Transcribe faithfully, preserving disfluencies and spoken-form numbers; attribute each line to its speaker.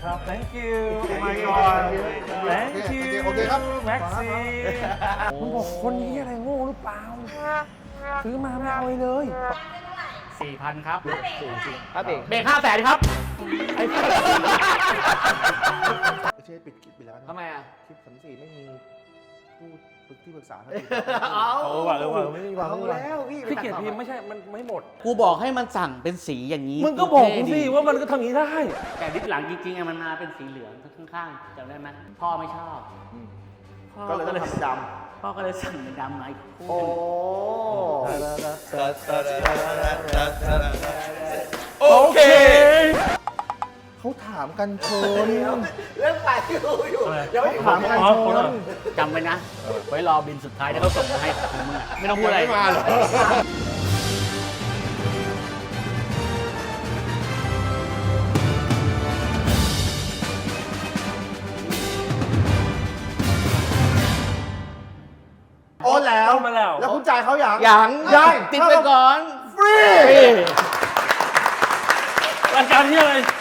Speaker 1: ครับ thank you oh my god thank you
Speaker 2: โอเคครับ
Speaker 1: แม็กซี่มึงบอกคนนี้อะไรโง่หรือเปล่าซื้อมาไม่เอาเลย
Speaker 3: สี่พันครับ
Speaker 4: ครับเบรก
Speaker 3: เบรกห้าแสนครับ
Speaker 2: ไม่ใช่ปิดคลิปไปแล้วนะ
Speaker 4: ทำไมอ่ะ
Speaker 2: คลิปสามสี่ไม่มีผู้ปรึกที่ปรึกษาทัน
Speaker 4: เอา
Speaker 1: เออว่ะเออว่ะไม่มีวาง
Speaker 4: เอา
Speaker 1: ไม่มีวาง
Speaker 4: แล้วพี่
Speaker 1: พี่เกียรติพิมพ์ไม่ใช่มันไม่หมด
Speaker 3: กูบอกให้มันสั่งเป็นสีอย่างนี้
Speaker 1: มึงก็บอกกูสิว่ามันก็ทำอย่างนี้ได้
Speaker 3: แต่ดิสหลังจริงๆอะมันมาเป็นสีเหลืองข้างๆจำได้ไหมพ่อไม่ชอบพ่อ
Speaker 2: ก็เลยต้องทำด
Speaker 3: พ่อก็เลยสั่งเป็นดำมาอีก
Speaker 2: ำ
Speaker 3: คู่
Speaker 2: โอ้
Speaker 1: โอเค
Speaker 2: เขาถามกันเชิญ
Speaker 4: เรื่องไปอยู่อยู่
Speaker 1: อะไร
Speaker 4: ยังไม่
Speaker 2: ถามกันเชิญ
Speaker 3: จำไว้นะ ไว้รอบินสุดท้ายที่เขาส่งมาให้ของมึงอะไม่ต้องพูดอะไร
Speaker 2: ไม่มาหรอ โอนแล้ว
Speaker 1: โอนมาแล้ว
Speaker 2: แล้วคุณจ่ายเขาอย่าง
Speaker 3: อย่าง
Speaker 2: ยัง
Speaker 3: ติดไปก่อน
Speaker 2: ฟรี
Speaker 1: รายการที่อะไร